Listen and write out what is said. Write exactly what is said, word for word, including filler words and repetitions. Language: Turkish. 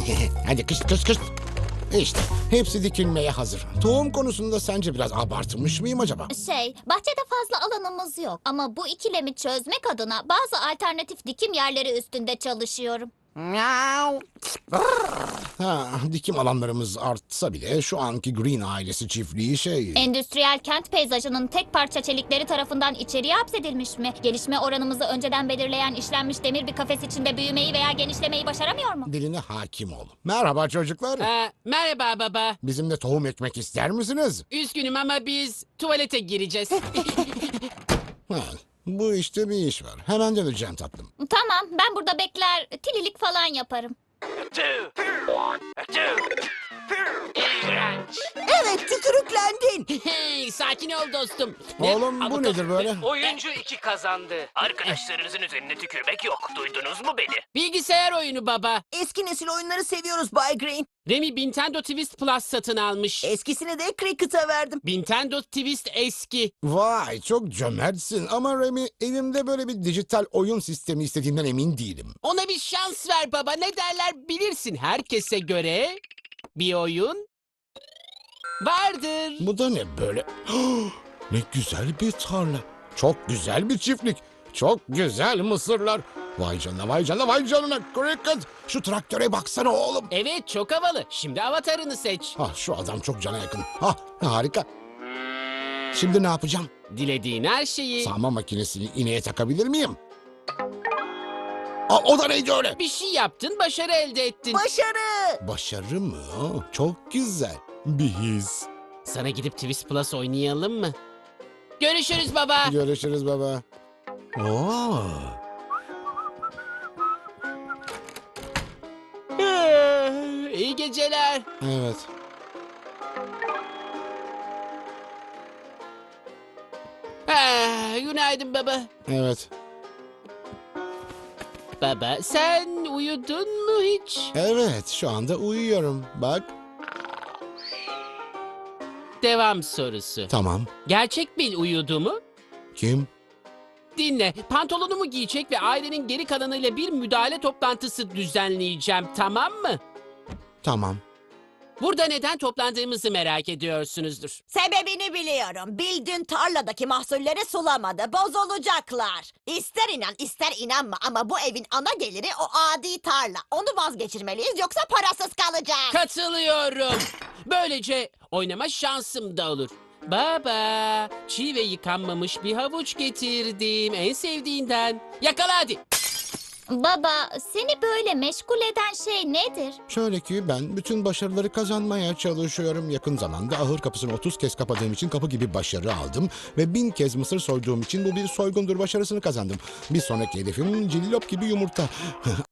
Hadi kış kış kış. İşte hepsi dikilmeye hazır. Tohum konusunda sence biraz abartmış mıyım acaba? Şey, bahçede fazla alanımız yok. Ama bu ikilemi çözmek adına bazı alternatif dikim yerleri üstünde çalışıyorum. Ha, dikim alanlarımız artsa bile şu anki Green ailesi çiftliği şey... Endüstriyel kent peyzajının tek parça çelikleri tarafından içeriye hapsedilmiş mi? Gelişme oranımızı önceden belirleyen işlenmiş demir bir kafes içinde büyümeyi veya genişlemeyi başaramıyor mu? Diline hakim ol. Merhaba çocuklar. Ee, merhaba baba. Bizimle tohum ekmek ister misiniz? Üzgünüm ama biz tuvalete gireceğiz. Ha, bu işte bir iş var. Hemen döneceğim tatlım. Tamam, ben burada bekler, tililik falan yaparım. Evet, tükürüklendin. Hey, sakin ol dostum. Oğlum, bu Ama nedir böyle? Oyuncu iki kazandı. Arkadaşlarınızın üzerine tükürmek yok. Duydunuz mu beni? Bilgisayar oyunu baba. Eski nesil oyunları seviyoruz Bay Green. Remy Nintendo Twist Plus satın almış. Eskisini de Cricket'a verdim. Nintendo Twist eski. Vay, çok cömertsin ama Remy, evimde böyle bir dijital oyun sistemi istediğimden emin değilim. Ona bir şans ver baba. Ne derler bilirsin. Herkese göre bir oyun vardır. Bu da ne böyle? Ne güzel bir tarla. Çok güzel bir çiftlik. Çok güzel mısırlar. Vay canına, vay canına, vay canına. Cricket, şu traktöre baksana oğlum. Evet, çok havalı. Şimdi avatarını seç. Ah, şu adam çok cana yakın. Ah, harika. Şimdi ne yapacağım? Dilediğin her şeyi. Sağma makinesini ineğe takabilir miyim? Aa, o da neydi öyle? Bir şey yaptın, başarı elde ettin. Başarı. Başarı mı? Çok güzel. Bir his. Sana gidip Twist Plus oynayalım mı? Görüşürüz baba. Görüşürüz baba. Oo. Ee, İyi geceler. Evet. Ah, günaydın baba. Evet. Baba, sen uyudun mu hiç? Evet, şu anda uyuyorum. Bak. Devam sorusu. Tamam. Gerçek bir uyudu mu? Kim? Dinle, pantolonumu giyecek ve ailenin geri kalanıyla bir müdahale toplantısı düzenleyeceğim, tamam mı? Tamam. Burada neden toplandığımızı merak ediyorsunuzdur. Sebebini biliyorum. Bill dün tarladaki mahsulleri sulamadı. Bozulacaklar. İster inan ister inanma ama bu evin ana geliri o adi tarla. Onu vazgeçirmeliyiz yoksa parasız kalacağız. Katılıyorum. Böylece oynama şansım da olur. Baba, çiğ ve yıkanmamış bir havuç getirdim. En sevdiğinden. Yakala hadi. Baba, seni böyle meşgul eden şey nedir? Şöyle ki ben bütün başarıları kazanmaya çalışıyorum. Yakın zamanda ahır kapısını otuz kez kapadığım için kapı gibi başarı aldım. Ve bin kez mısır soyduğum için bu bir soygundur başarısını kazandım. Bir sonraki hedefim cillop gibi yumurta.